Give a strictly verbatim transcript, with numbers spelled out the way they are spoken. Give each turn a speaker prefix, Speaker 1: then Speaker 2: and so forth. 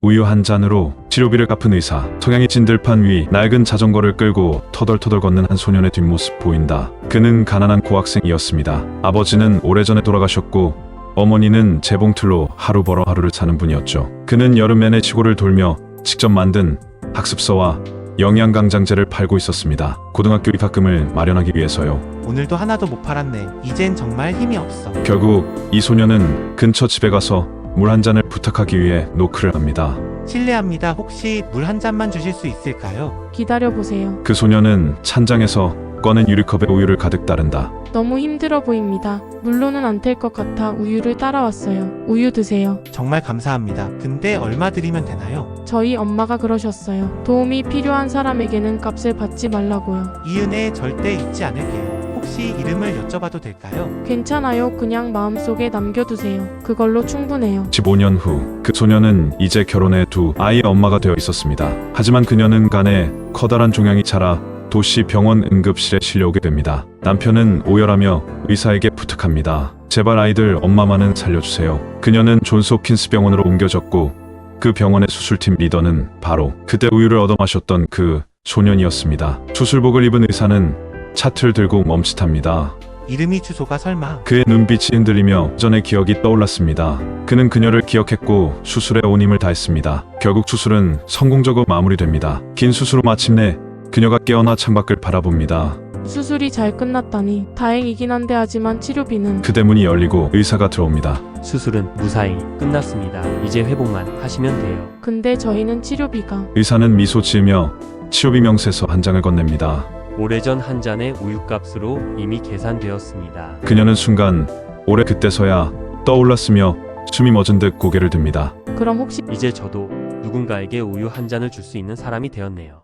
Speaker 1: 우유 한 잔으로 치료비를 갚은 의사. 석양이 진 들판 위 낡은 자전거를 끌고 터덜터덜 걷는 한 소년의 뒷모습 보인다. 그는 가난한 고학생이었습니다. 아버지는 오래전에 돌아가셨고 어머니는 재봉틀로 하루 벌어 하루를 사는 분이었죠. 그는 여름 내내 시골을 돌며 직접 만든 학습서와 영양강장제를 팔고 있었습니다. 고등학교 입학금을 마련하기 위해서요.
Speaker 2: 오늘도 하나도 못 팔았네. 이젠 정말 힘이 없어.
Speaker 1: 결국 이 소년은 근처 집에 가서 물 한 잔을 부탁하기 위해 노크를 합니다.
Speaker 2: 실례합니다. 혹시 물 한 잔만 주실 수 있을까요?
Speaker 3: 기다려보세요.
Speaker 1: 그 소년은 찬장에서 꺼낸 유리컵에 우유를 가득 따른다.
Speaker 3: 너무 힘들어 보입니다. 물로는 안 될 것 같아 우유를 따라왔어요. 우유 드세요.
Speaker 2: 정말 감사합니다. 근데 얼마 드리면 되나요?
Speaker 3: 저희 엄마가 그러셨어요. 도움이 필요한 사람에게는 값을 받지 말라고요.
Speaker 2: 이 은혜 절대 잊지 않을게요. 혹시 이름을 여쭤봐도 될까요?
Speaker 3: 괜찮아요. 그냥 마음속에 남겨두세요. 그걸로 충분해요.
Speaker 1: 십오 년 후 그 소년은 이제 결혼해 두 아이의 엄마가 되어 있었습니다. 하지만 그녀는 간에 커다란 종양이 자라 도시 병원 응급실에 실려오게 됩니다. 남편은 오열하며 의사에게 부탁합니다. 제발 아이들 엄마만은 살려주세요. 그녀는 존스 홉킨스 병원으로 옮겨졌고 그 병원의 수술팀 리더는 바로 그때 우유를 얻어 마셨던 그 소년이었습니다. 수술복을 입은 의사는 차트를 들고 멈칫합니다.
Speaker 2: 이름이 주소가 설마.
Speaker 1: 그의 눈빛이 흔들리며 전의 기억이 떠올랐습니다. 그는 그녀를 기억했고 수술에 온 힘을 다했습니다. 결국 수술은 성공적으로 마무리됩니다. 긴 수술 후 마침내 그녀가 깨어나 창밖을 바라봅니다.
Speaker 3: 수술이 잘 끝났다니 다행이긴 한데 하지만 치료비는.
Speaker 1: 그대 문이 열리고 의사가 들어옵니다.
Speaker 4: 수술은 무사히 끝났습니다. 이제 회복만 하시면 돼요.
Speaker 3: 근데 저희는 치료비가.
Speaker 1: 의사는 미소 지으며 치료비 명세서 한 장을 건넵니다.
Speaker 4: 오래전 한 잔의 우유값으로 이미 계산되었습니다.
Speaker 1: 그녀는 순간 올해 그때서야 떠올랐으며 숨이 멎은 듯 고개를 듭니다.
Speaker 3: 그럼 혹시
Speaker 4: 이제 저도 누군가에게 우유 한 잔을 줄 수 있는 사람이 되었네요.